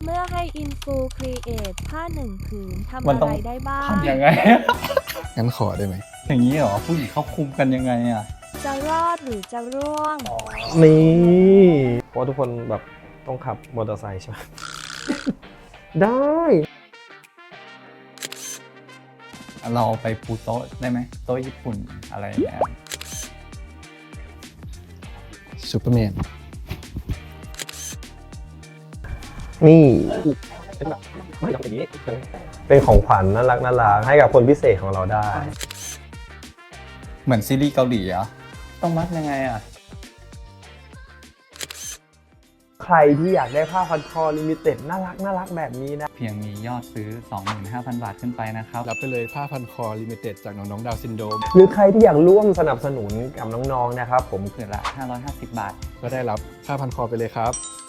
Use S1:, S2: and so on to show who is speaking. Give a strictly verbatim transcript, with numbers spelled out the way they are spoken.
S1: มื่อให้อินฟูครีเอทผ้าหนึ่งผืนทำ
S2: มัน
S1: อะ
S2: ต้อง
S1: ไรได้บ้าง
S2: ทำยังไง
S3: งั้นขอได้ไหม
S2: อย่างนี้เหรอผู้หญิงเขาคุมกันยังไงอ่ะ
S1: จะรอดหรือจะร่วง
S4: นี่เพราะว่าทุกคนแบบต้องขับมอเตอร์ไซค์ใช่ไหม ได้
S2: เราไปปูโต๊ะได้ไหมโต๊ะญี่ปุ่นอะไรอย่างเงี้ย
S3: ซูเปอร์แมน
S4: นี่เป็นแบบไม่ต้องอย่างนี้เป็นของขวัญน่ารักน่ารักให้กับคนพิเศษของเราได้
S2: เหมือนซีรีส์เกาหลีเหรอ่ะต้องมัดยังไงอ่ะ
S4: ใครที่อยากได้ผ้าพันคอลิมิเต็ดน่ารักน่ารักแบบนี้นะ
S2: เพียงมียอดซื้อ สองหมื่นห้าพัน บาทขึ้นไปนะครับ
S3: รับไปเลยผ้าพันคอลิมิเต็ดจากน้องๆดาวน์ซินโดรม
S4: หรือใครที่อยากร่วมสนับสนุนกับน้องๆนะครับผม
S2: ผืนละห้าร้อยห้าสิบบาท
S3: ก็ได้รับผ้าพันคอไปเลยครับ